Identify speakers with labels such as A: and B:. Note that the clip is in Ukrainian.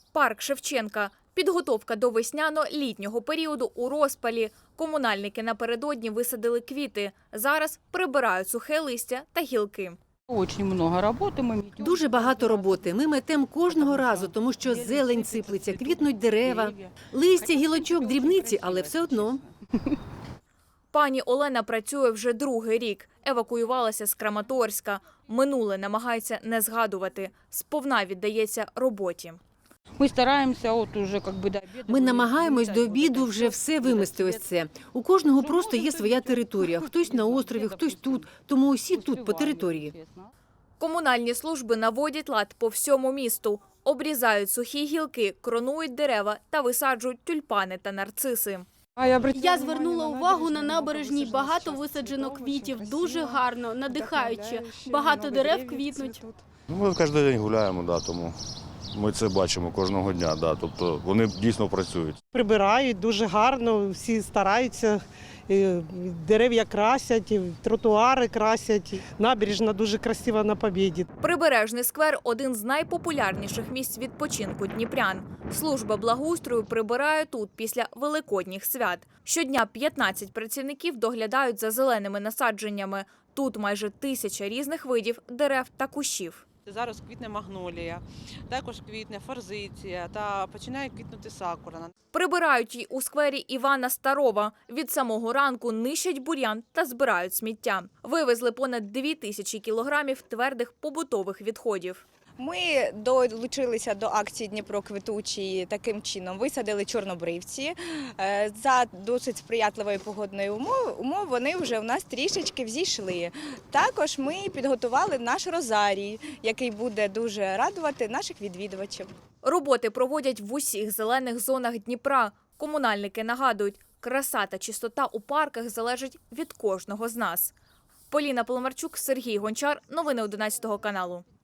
A: Парк Шевченка. Підготовка до весняно-літнього періоду у розпалі. Комунальники напередодні висадили квіти. Зараз прибирають сухе листя та гілки.
B: Дуже багато роботи. Ми метемо кожного разу, тому що зелень сиплеться, квітнуть дерева. Листя, гілочок, дрібниці, але все одно.
A: Пані Олена працює вже другий рік. Евакуювалася з Краматорська. Минуле намагається не згадувати. Сповна віддається роботі.
B: Ми намагаємось до обіду вже все вимести ось це. У кожного просто є своя територія. Хтось на острові, хтось тут. Тому усі тут по території.
A: Комунальні служби наводять лад по всьому місту. Обрізають сухі гілки, кронують дерева та висаджують тюльпани та нарциси.
C: Я звернула увагу на набережній, багато висаджено квітів, дуже гарно, надихаюче, багато дерев квітнуть.
D: Ми кожен день гуляємо, тому ми це бачимо кожного дня, тобто вони дійсно працюють.
E: Прибирають дуже гарно, всі стараються, дерев'я красять, тротуари красять, набережна дуже красива на Побєді.
A: Прибережний сквер – один з найпопулярніших місць відпочинку дніпрян. Служба благоустрою прибирає тут після великодніх свят. Щодня 15 працівників доглядають за зеленими насадженнями. Тут майже 1000 різних видів дерев та кущів.
F: Зараз квітне магнолія, також квітне форзиція та починає квітнути сакура.
A: Прибирають й у сквері Івана Старова. Від самого ранку нищать бур'ян та збирають сміття. Вивезли понад 2000 кілограмів твердих побутових відходів.
G: Ми долучилися до акції «Дніпро квітучий» таким чином. Висадили чорнобривці. За досить сприятливої погодної умови вони вже у нас трішечки взійшли. Також ми підготували наш розарій, який буде дуже радувати наших відвідувачів.
A: Роботи проводять в усіх зелених зонах Дніпра. Комунальники нагадують, краса та чистота у парках залежить від кожного з нас. Поліна Поломарчук, Сергій Гончар. Новини 11 каналу.